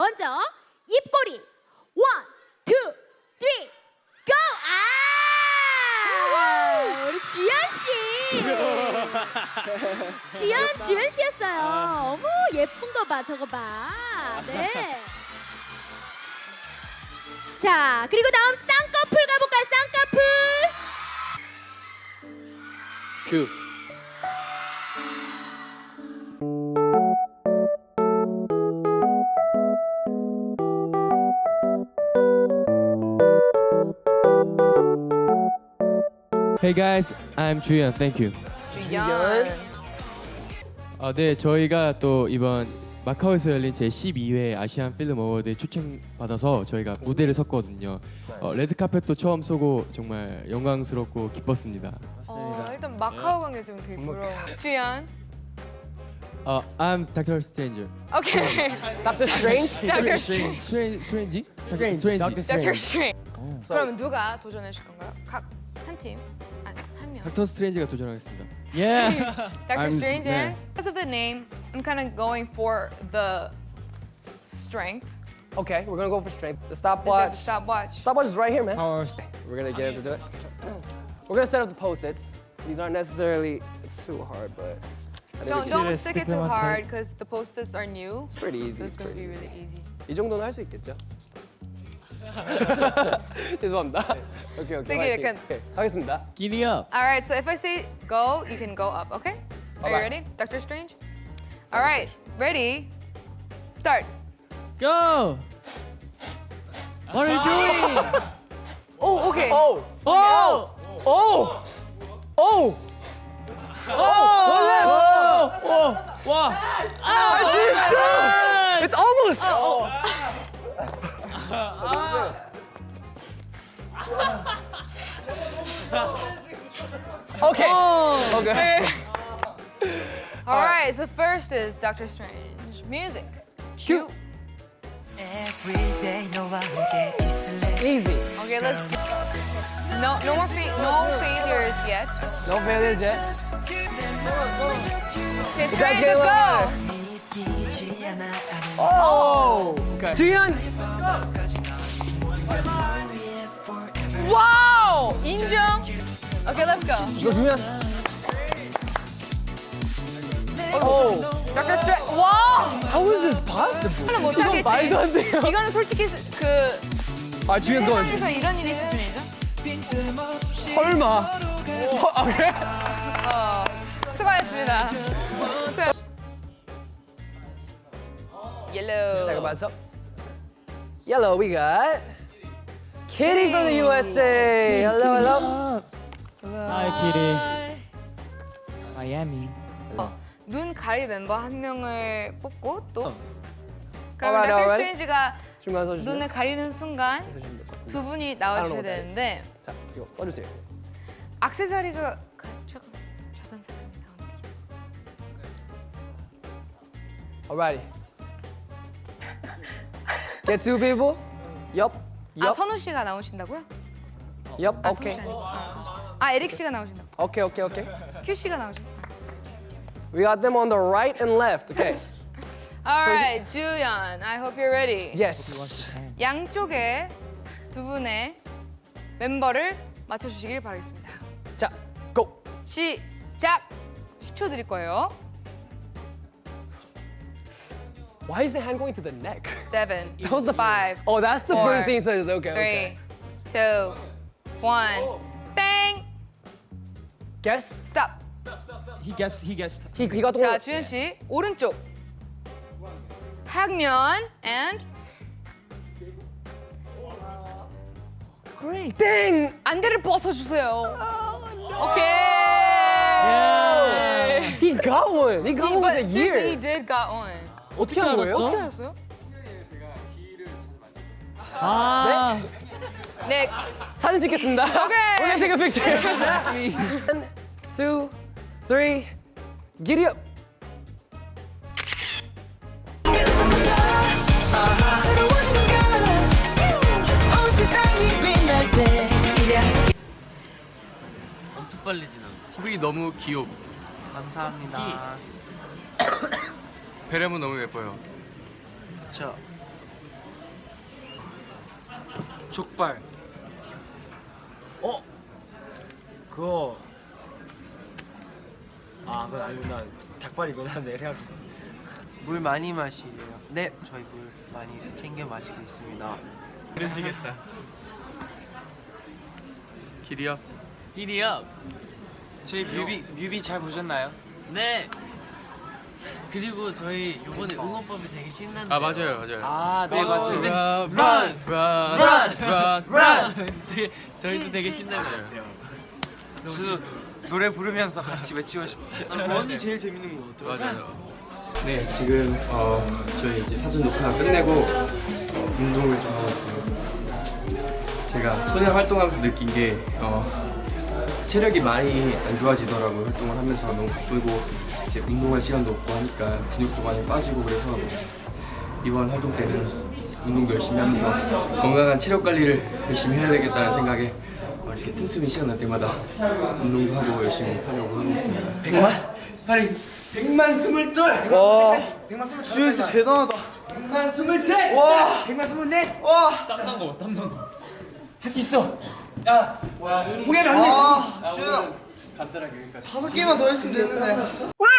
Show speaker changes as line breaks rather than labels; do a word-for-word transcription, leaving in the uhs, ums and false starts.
먼저 입꼬리 원, 투, 쓰리, 고! 아! 우리 주연 씨. 주연 주연 씨였어요. 어머 예쁜 거 봐, 저거 봐. 네. 자, 그리고 다음 쌍꺼풀 가볼까요? 쌍꺼풀.
큐.
Hey guys, I'm 주연. Thank you.
주연.
아, 네, 저희가 또 이번 마카오에서 열린 제 십이 회 아시안 필름 어워드에 초청받아서 저희가 무대를 섰거든요. 어, 레드카펫도 처음 쏘고 정말 영광스럽고 기뻤습니다.
어, 일단 마카오 관계 좀 되게 부러워. 주연.
어, I'm Doctor Stranger.
오케이.
닥터 스트레인지?
Doctor
Strange? Strange?
Strange.
Strange.
Doctor Strange. 그럼 누가 도전해 주실 건가요? 각 한 팀. 아니, 한 명.
닥터 스트레인지가 도전하겠습니다.
Doctor
I'm-
Strange.
네.
And because of the name, I'm kind of going for the strength.
Okay, we're gonna go for straight. The
Is that
stopwatch.
the stopwatch?
Stopwatch is right here, man. We're gonna get him to do it. We're gonna set up the post-its. These aren't necessarily, it's too hard, but I think
Don't
it's,
don't stick it too hard because the post-its are new.
it's pretty easy.
So it's
It's
gonna be
pretty
really
easy.
easy.
이 정도는 할 수 있겠죠? 죄송합니다. 오케이, 오케이.
되게
화이팅.
약간-
오케이, 하겠습니다.
Giddy up.
All right, so if I say go, you can go up, okay? Are you
Alright.
ready? Doctor Strange? All right, ready? Start.
Go! What are you doing?
Oh, okay.
오!
Oh!
오! 오!
와!
It's almost! Okay. Okay.
All right, so first is Doctor Strange. Music.
Cue.
Everyday 너와 함께 있을래.
Easy.
Okay, let's do. No, no more fa- no failures yet.
No failures yet.
Okay,
guys
Strange,
get
let's
along.
go.
믿기지 않아 아는
Oh! Okay. 주연!
Wow, 인정. Okay, let's go.
이거 주연! Oh!
Doctor Strange. 와,
How is this possible?
이거는
이건
못하겠지.
말도 안 돼요.
이거는 솔직히 그
아, 주연 건
세상에서 이런 일이 수준이죠.
설마. 어, 아, 그래?
수고하셨습니다. 수고. Yellow.
Second matchup. Yellow, we got Kitty from the U S A. Hello, hello.
Hi, Kitty. Miami.
눈 가릴 멤버 한 명을 뽑고 또 그럼
Alright,
닥터
alright.
스트레인지가
중간 써주시면
눈을 가리는 순간
써주시면 될 것 같습니다.
두 분이
I don't
나와주셔야
know what that is.
되는데
자, 이거 써주세요.
액세서리가 가- 조금 작은 사람이 나옵니다.
Alrighty. Get two people. Yup.
아
Yup.
선우 씨가 나오신다고요?
Yup.
아,
Okay.
선우 씨 아니고. 아, 선우 씨. 아 에릭 씨가 나오신다고.
Okay, okay, okay.
큐 씨가 나오신다.
We got them on the right and left. Okay.
Alright, 주연. I hope you're ready.
Yes.
양쪽에 두 분의 멤버를 맞춰주시길 바라겠습니다.
자, go.
시작. 십 초 드릴 거예요.
Why is the hand going to the neck?
seven,
That was the
five,
Oh, that's the
Four,
first thing that is okay. Okay.
three, two, one. 땡.
Guess.
Stop.
He guessed. He guessed.
He he got the
자,
one.
주현 씨 오른쪽. 학년 and
Great.
Dang.
안대를 벗어 주세요. 오케이.
He got one. He got
He,
one
but
with a
seriously, he
year.
did got one.
어떻게 한 거예요?
어떻게 하셨어요?
아.
네.
사진 찍겠습니다.
오케이.
We're gonna take a picture. One, two, three. Giddy up.
새로워지는 건 온 세상이 빛날 때
엄청 빨리 지나.
수빈이 너무 귀여워.
감사합니다.
베레모 너무 예뻐요.
저 족발. 어? 그거 아 그건 아니구나. 닭발이구나 내 생각.
물 많이 마시래요. 네, 저희 물 많이 챙겨 마시고 있습니다.
그러시겠다. 길이요?
히리업. 저희 뮤비 뮤비 잘 보셨나요?
네. 그리고 저희 이번에 응원법이 되게 신난데.
아 맞아요, 맞아요.
아, 네 맞아요.
네.
run,
run, run, run,
run. 되게, 저희도 되게 신나요.
저도 노래 부르면서 같이 외치고 싶어요.
원이 제일 재밌는 거 같아요.
맞아요. 네, 지금 어, 저희 이제 사전 녹화 끝내고 어, 운동을 좀 하고 있어요. 제가 소년 활동하면서 느낀 게 어, 체력이 많이 안 좋아지더라고요. 활동을 하면서 너무 바쁘고 이제 운동할 시간도 없고 하니까 근육도 많이 빠지고 그래서 이번 활동 때는 운동도 열심히 하면서 건강한 체력 관리를 열심히 해야 되겠다는 생각에 어, 이렇게 틈틈이 시간 날 때마다 운동도 하고 열심히 하려고 하고 있습니다. 백만? 빨리 백만 스물둘!
와, 주현 씨 대단하다.
백만 스물셋!
와,
백만 스물넷!
와,
땀난 거 봐, 땀난 거.
할 수 있어! 야! 포기하면 안 돼!
아, 주현아,
간단하게 여기까지.
다섯 개만 더 했으면 됐는데.